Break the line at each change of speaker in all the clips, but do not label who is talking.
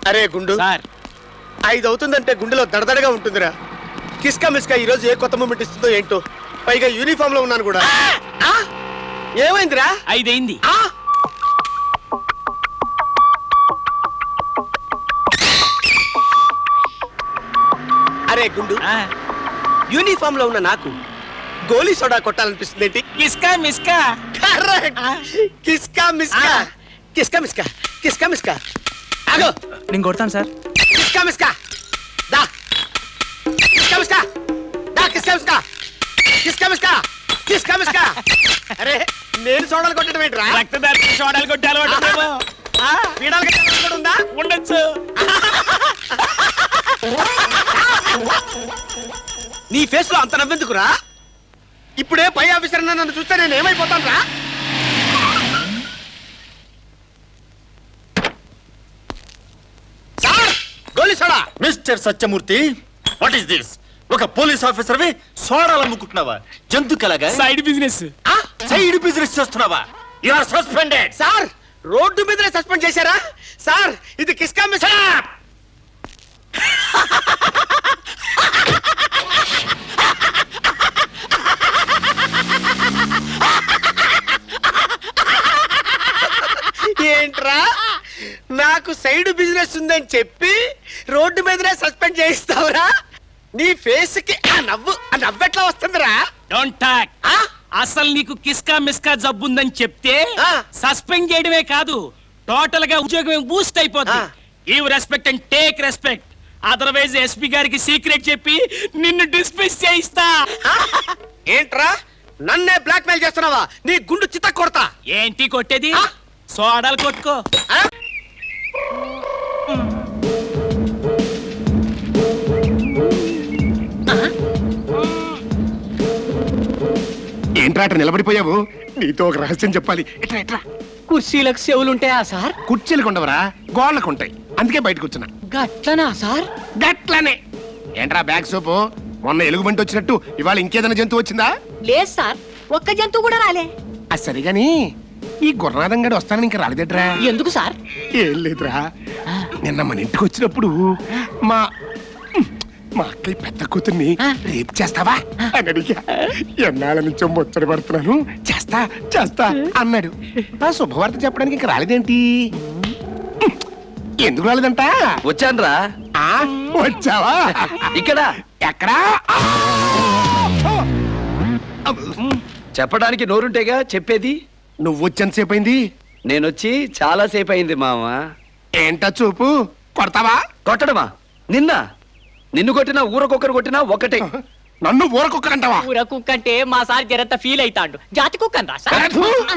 అరే గుండు
సార్
5 అవుతుందంటే గుండెలో దడదడగా ఉంటుందిరా. కిస్కా మిస్కా ఈ రోజు ఏ కొత్త మూమెంట్ ఇస్తుందో ఏంటో. పైగా యూనిఫామ్ లో ఉన్నాను కూడా. ఏమైందిరా?
5 అయింది.
అరే గుండు, యూనిఫామ్ లో ఉన్న నాకు గోలీ సోడా కొట్టాలనిపిస్తుంది ఏంటి?
కిస్కా మిస్కా.
కిస్కా మిస్కా కిస్కా మిస్కా కిస్కా మిస్కా. ఆగో,
నేను కొడతాను సార్.
కిస్కా మిస్కా దా. కిస్కా మిస్కా దా. కిస్కా మిస్కా కిస్కా మిస్కా కిస్కా మిస్కా. అరే నేను సోడాలు కొట్టడం ఏంట్రా?
రక్తదారి సోడాలు కొట్టాలి
పీడాలు కట్టాలని కూడా ఉందా?
ఉండొచ్చు.
నీ ఫేస్ లో అంత నవ్వెందుకురా? ఇప్పుడే పై ఆఫీసర్ నన్ను చూస్తే నేను ఏమైపోతాను రా? సార్ గోలీ soda.
Mister Satyamurthy, what is this? ఒక పోలీస్ ఆఫీసర్ వి సోడాలు అమ్ముకుంటున్నావా? జంతుకలాగా
సైడ్ బిజినెస్.
సైడ్ బిజినెస్ చేస్తున్నావా? You are suspended.
Sir road మీదనే సస్పెండ్ చేశారా? సార్ ఇది కిస్కా మిస్కా. ఏంట్రా, నాకు సైడ్ బిజినెస్ ఉందని చెప్పి రోడ్డు మీదనే సస్పెండ్ చేయిస్తావురా? నీ ఫేస్ కి ఆ నవ్వెట్లా వస్తుందిరా?
Don't talk. అసలు నీకు కిస్కా మిస్కా జబ్బుందని చెప్తే
ఆ.
సస్పెండ్ చేయడమే కాదు, టోటల్ గా ఉద్యోగం బూస్ట్ అయిపోతుంది. Give respect and take respect. Otherwise SP గారికి సీక్రెట్ చెప్పి నిన్ను డిస్మిస్ చేయిస్తా.
ఏంట్రా నన్నే బ్లాక్ మెయిల్ చేస్తున్నావా? నీ గుండు చిత్త కొడతా.
ఏంటి కొట్టేది? సోడాలు కొట్టుకో.
ఏంట్రా అట్లా నిలబడిపోయావు? నీతో ఒక రహస్యం చెప్పాలి. ఎట్రా ఎట్రా.
కుర్చీలకు చెవులుంటాయా సార్?
కుర్చీలకు ఉండవరా, గోళ్ళకు ఉంటాయి. అందుకే బయటకు వచ్చిన.
గట్లనా సార్?
గట్లనే. ఏంట్రా బ్యాగ్ సోపు? మొన్న ఎలుగుబంటి వచ్చినట్టు ఇవాళ ఇంకేదైనా జంతువు వచ్చిందా?
లేదు సార్, ఒక్క జంతువు కూడా రాలే.
అది సరిగాని ఈ గుర్రనాథం గడి వస్తానని ఇంకా రాలేదట్రా?
ఎందుకు సార్?
ఏం లేదురా, నిన్న మన ఇంటికి వచ్చినప్పుడు మా అక్కయ్య పెద్ద కూతుర్ని రేపు చేస్తావా అని అడిగా. ఎన్నాళ్ళ నుంచో ముచ్చట పడుతున్నాను, చేస్తా చేస్తా అన్నాడు. ఆ శుభవార్త చెప్పడానికి ఇంకా రాలేదేంటి? ఎందుకు రాలేదంట?
వచ్చానురా.
వచ్చావా?
ఇక్కడ
ఎక్కడా?
చెప్పడానికి నోరుంటేగా చెప్పేది.
నువ్వు వచ్చేంతసేపు అయింది?
నేనొచ్చి చాలా సేపు అయింది మామ.
ఏంటా చూపు? కొడతావా?
కొట్టడమా? నిన్ను కొట్టినా ఊరకొక్కరు కొట్టినా ఒకటే.
నన్ను ఊరకొక్కరంటావా?
ఊర కుక్క అంటే మా సార్ జరంత ఫీల్ అవుతాడు. జాతి కుక్కను రా సార్.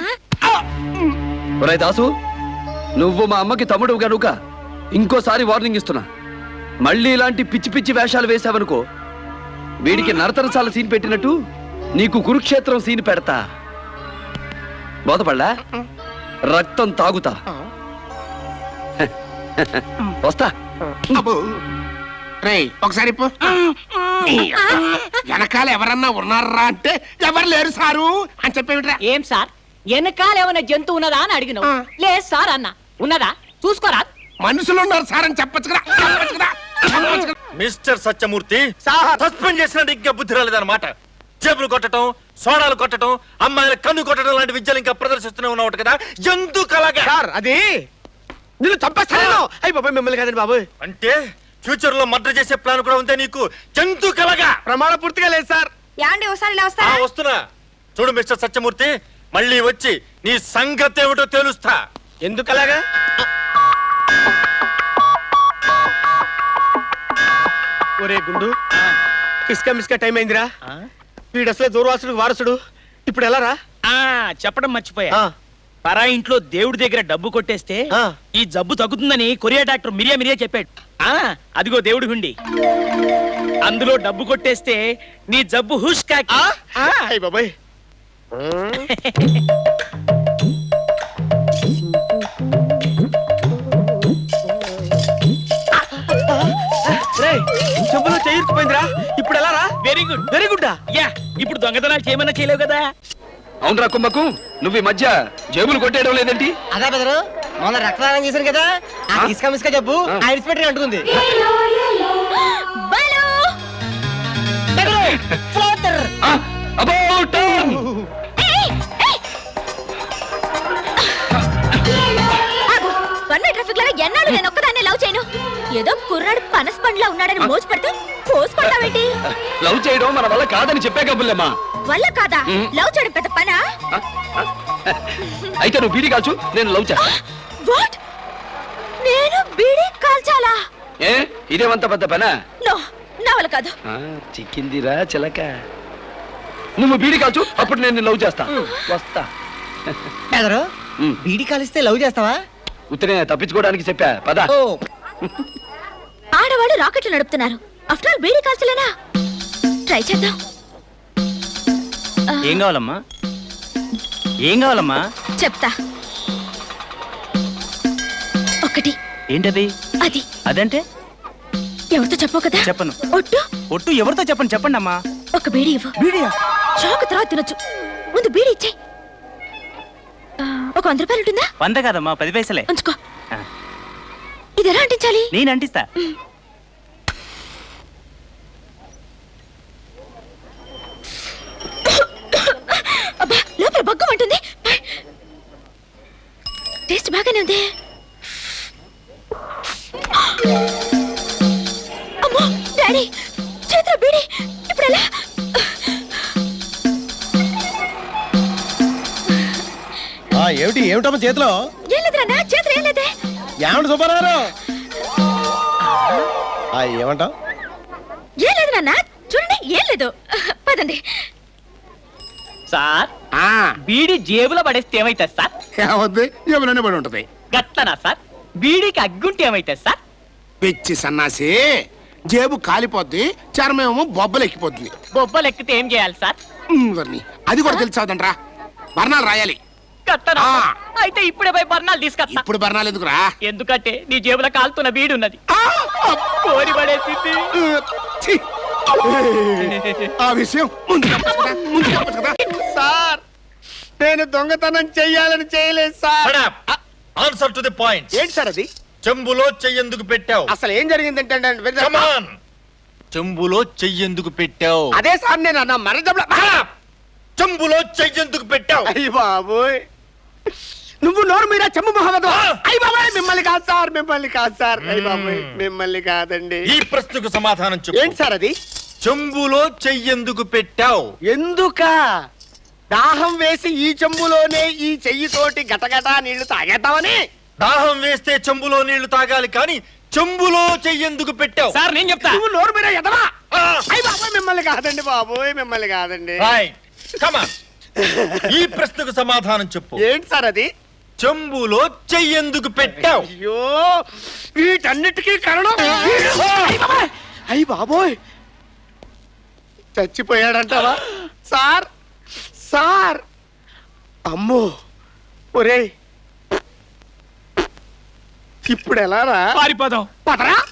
ఒరేయ్ దాసు, నువ్వు మా అమ్మకి తమ్ముడు గనుక ఇంకోసారి వార్నింగ్ ఇస్తున్నా. మళ్ళీ ఇలాంటి పిచ్చి పిచ్చి వేషాలు వేసావనుకో, వీడికి నరతరసాల సీన్ పెట్టినట్టు నీకు కురుక్షేత్రం సీన్ పెడతా. బోధపడ్డా? రక్తం తాగుతా. వస్తా.
రేయ్ ఒకసారి వెనకాల ఎవరన్నా ఉన్నారా అంటే ఎవరు లేరు సారు అని చెప్పేమిట్రా?
ఏం సార్, వెనకాల ఏమైనా జంతువు ఉన్నదా అని అడిగినావు. లేదు సార్ అన్న. ఉన్నదా చూసుకోరా?
మనుషులు ఉన్నారు సార్ అని చెప్పొచ్చు కదా.
మిస్టర్ సత్యమూర్తి, సస్పెండ్ చేసినట్టు ఇంకా బుద్ధి రాలేదన్నమాట. జేబులు కొట్టడం, సోడాలు కొట్టడం, అమ్మాయిల కన్ను కొట్టడం లాంటి విద్యలు ఇంకా ప్రదర్శిస్తూనే ఉన్నావు కదా. జంతు కలగా.
సార్ అది నిన్ను చంపేస్తాను. అయ్యి బాబాయ్ మిమ్మల్ని కాదండి బాబు.
అంటే ఫ్యూచర్ లో మర్డర్ చేసే ప్లాన్ కూడా ఉందే నీకు? జంతు కలగా.
ప్రమాణ పూర్తిగా లేదు సార్.
యాండి ఒకసారి ఇలా వస్తారా?
వస్తున్నా. చూడు మిస్టర్ సత్యమూర్తి, మళ్ళీ వచ్చి నీ సంగతి ఏమిటో తెలుస్తా.
ఎందుకు అలాగా? ఒరే గుండు, కిస్కా మిస్కా టైం అయిందిరా. వీడు అసలే దూర్వాసుడు వారసుడు. ఇప్పుడు ఎలా రా?
చెప్పడం మర్చిపోయా. పరా ఇంట్లో దేవుడి దగ్గర డబ్బు కొట్టేస్తే ఈ జబ్బు తగ్గుతుందని కొరియా డాక్టర్ మిరియా చెప్పాడు. అదిగో దేవుడి హుండి, అందులో డబ్బు కొట్టేస్తే నీ జబ్బు హుష్ కాకి.
అయ్యి బాబాయ్. చెప్పులో చేయిపోయిందిరా. ఇప్పుడు ఎలా రా?
Very good.
Very good.
Yeah, ఇప్పుడు దొంగతనాలు చేయమన్నా చేయలేవు కదా.
అవునరా కుంభకు, నువ్వు ఈ మధ్య జేబులు కొట్టేయడం లేదేంటి?
అదే బెదరు
మొన్న రక్తదానం చేశారు కదా ఆ ఇసుక మిస్క జబ్బు ఐరిస్ పెట్టి అంటుంది.
ఎన్నాళ్ళు నేను ఒక్కదాన్ని లవ్ చేయను. ఏదో కుర్రాడు పనస పండ్లా ఉన్నాడని మోజు పడితే పోసుకుంటావేంటి?
లవ్ చేయడం మన వల్ల కాదని చెప్పే కబుల్లమ్మా.
వల్ల కాదా? లవ్ చేయడం పెద్ద పనా?
అయితే నువ్వు బీడీ కాల్చు, నేను లవ్ చేస్తా.
వాట్? నేను బీడీ కాల్చాలా?
ఏ ఇదేమంత పెద్ద పనా?
నో, నా వల్ల కాదు.
చిక్కిందిరా చిలక. నువ్వు బీడీ కాల్చు, అప్పుడు నేను లవ్ చేస్తా. వస్తా.
బీడి కాలిస్తే లవ్ చేస్తావా?
ఉత్తనే తప్పించుకోవడానికి చెప్పా పద.
ఆడవాళ్ళు రాకెట్లు నడుపుతున్నారు. ఆఫ్టర్ ఆల్ బీడీ కాల్చలేనా? ట్రై చేద్దాం.
ఏం కావాలమ్మా? ఏం కావాలమ్మా?
చెప్తా. ఒకటి.
ఏంటది?
అది.
అదంటే
ఎవరితో చెప్పవు కదా?
చెప్పను.
ఒట్టు?
ఒట్టు ఎవరితో చెప్పను, చెప్పండి అమ్మా.
ఒక బీడీ ఇవ్వు.
బీడియా?
షాక్ తర్వాత తినొచ్చు. ముందు బీడీ ఇచ్చే. ఒక 100 రూపాయలు ఉంటుందా?
100 కాదమ్మా, 10 పైసలే.
ఉంచుకో. ఇది ఎలా అంటించాలి?
నేను అంటిస్తా.
అబ్బా, లోపల బగ్గం ఉంటుంది. టేస్ట్ బాగానే ఉంది. అమ్మో డాడీ, చేతిలో బీడీ. ఇప్పుడు ఎలా?
ఏమిటమ్మా చేతిలో?
ఏం లేదురా, నా చేతిలో ఏం లేదే.
ఏమంట సుబ్బారావు? ఏమంటావు?
ఏం లేదు నాన్న, చూడండి, ఏం లేదు. పదండి.
సార్, బీడీ జేబులో పడేస్తే ఏమైతుంది సార్?
ఏమవుద్ది? ఏమైనా పడి ఉంటది.
గట్లనా సార్? బీడీకి అగ్గుంటే ఏమైతుంది సార్?
పిచ్చి సన్నాసి, జేబు కాలిపోద్ది, చర్మేమో బొబ్బలెక్కిపోతుంది.
బొబ్బలు ఎక్కితే ఏం చేయాలి సార్?
అది కూడా తెలుసావుదంట్రా. బర్ణాలు రాయాలి.
గట్లనా? అయితే ఇప్పుడే పోయి బర్ణాలు తీసుకొస్తా.
ఇప్పుడు బర్ణాలు ఎందుకురా?
ఎందుకంటే నీ జేబులో కాలుతున్న బీడి ఉన్నది. కోరి పడేసింది.
ఛీ! ఆ విషయం ముందు చెప్పొచ్చు కదా, ముందు చెప్పొచ్చు కదా.
సార్, నేను దొంగతనం చెయ్యాలని చేయలేదు sir.
Answer to the point.
ఏంటి సార్ అది?
చెంబులో చెయ్యెందుకు పెట్టావు?
అసలు ఏం జరిగిందంటే
Come on. చెంబులో చెయ్యెందుకు పెట్టావు?
అదే సార్ నేను అన్న మరదబల.
చెంబులో చెయ్యెందుకు పెట్టావు?
అయ్య బాబోయ్, నువ్వు నోరు మీద చెంబు మొహమ్మద్. అయ్య బాబాయ్, మిమ్మల్ని కాదు సార్, మిమ్మల్ని కాదు సార్. అయ్య బాబాయ్, మిమ్మల్ని కాదండి.
ఈ ప్రశ్నకు సమాధానం చెప్పు.
ఏంటి సార్ అది?
చెంబులో చెయ్యెందుకు పెట్టావు?
ఎందుక? దాహం వేసి ఈ చెంబులోనే ఈ చెయ్యితోటి గటగటా నీళ్లు తాగేద్దామని.
దాహం వేస్తే చెంబులో నీళ్లు తాగాలి, కానీ చెంబులో చెయ్యెందుకు పెట్టావు?
సార్ నేను చెప్తా.
నువ్వు నోరు మీద ఎదవా. అయ్య బాబాయ్, మిమ్మల్ని కాదండి బాబోయ్, మిమ్మల్ని కాదండి.
Right. Come on. ఈ ప్రశ్నకు సమాధానం చెప్పు.
ఏంటి సార్ అది?
చెంబులో చెయ్యెందుకు పెట్టావు?
అయ్యో, వీటన్నిటికీ కారణం అయ్యి బాబోయ్, చచ్చిపోయాడంటావా సార్? సార్, అమ్మో, ఒరేయ్, ఇప్పుడు ఎలా రా?
పారిపోదాం.
పదరా.